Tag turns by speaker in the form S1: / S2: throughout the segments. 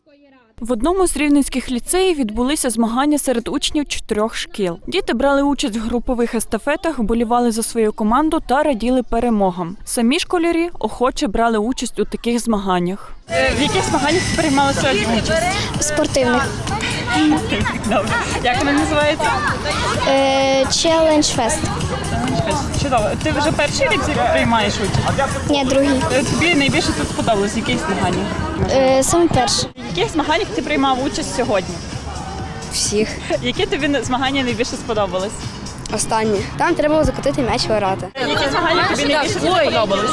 S1: В одному з рівненських ліцеїв відбулися змагання серед учнів 4 шкіл. Діти брали участь в групових естафетах, вболівали за свою команду та раділи перемогам. Самі школярі охоче брали участь у таких змаганнях.
S2: В яких змаганнях ти приймала сьогодні участь?
S3: Спортивних.
S2: Добре. Як вони називаються?
S3: Челендж фест.
S2: Чудово. Ти вже перший рік приймаєш участь?
S3: Ні, другий.
S2: Тобі найбільше тут сподобалось? В яких змаганнях?
S3: Саме перший.
S2: В яких змаганнях ти приймав участь сьогодні?
S3: Всіх.
S2: Які тобі змагання найбільше сподобались?
S3: Останні. Там треба було закотити м'яч в ворота.
S2: Які змагання тобі найбільше сподобались?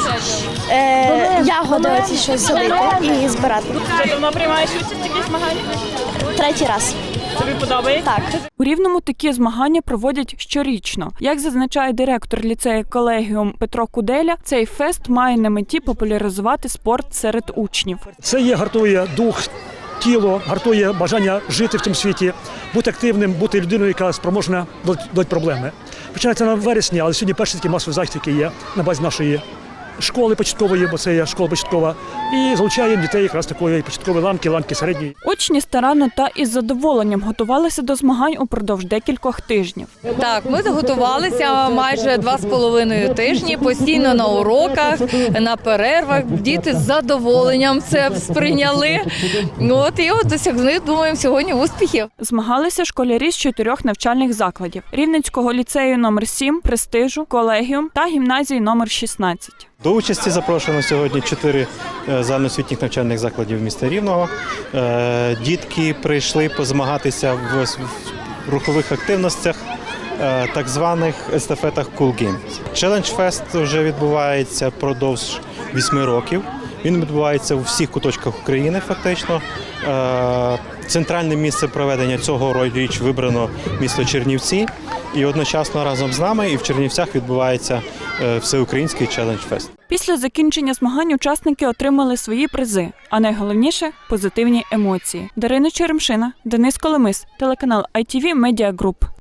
S3: Ягоди оці щось зробити і збирати.
S2: Вже давно приймаєш участь в таких змаганнях?
S3: Третій раз.
S2: Тобі подобається?
S3: Так.
S1: У Рівному такі змагання проводять щорічно. Як зазначає директор ліцею колегіум Петро Куделя, цей фест має на меті популяризувати спорт серед учнів.
S4: Це гартує дух, тіло, гартує бажання жити в цьому світі, бути активним, бути людиною, яка спроможна до проблеми. Починається на вересні, але сьогодні перший такий масовий захід, який є на базі нашої школи початкової, бо це є школа початкова, і залучаємо дітей якраз такої початкової ланки середньої.
S1: Учні старанно та із задоволенням готувалися до змагань упродовж декількох тижнів.
S5: Так, ми готувалися майже 2,5 тижні, постійно на уроках, на перервах. Діти з задоволенням це сприйняли. І досягли, думаємо, сьогодні успіхів.
S1: Змагалися школярі з 4 навчальних закладів: Рівненського ліцею номер 7, Престижу, Колегіум та гімназії номер 16.
S6: До участі запрошено сьогодні 4 загальноосвітніх навчальних закладів міста Рівного. Дітки прийшли позмагатися в рухових активностях, так званих естафетах Cool Games. Challenge Fest вже відбувається впродовж 8 років. Він відбувається у всіх куточках України фактично. Центральне місце проведення цього річ вибрано місто Чернівці. І одночасно разом з нами і в Чернівцях відбувається всеукраїнський Challenge Fest.
S1: Після закінчення змагань учасники отримали свої призи, а найголовніше – позитивні емоції. Дарина Черемшина, Денис Коломис, телеканал ITV Media Group.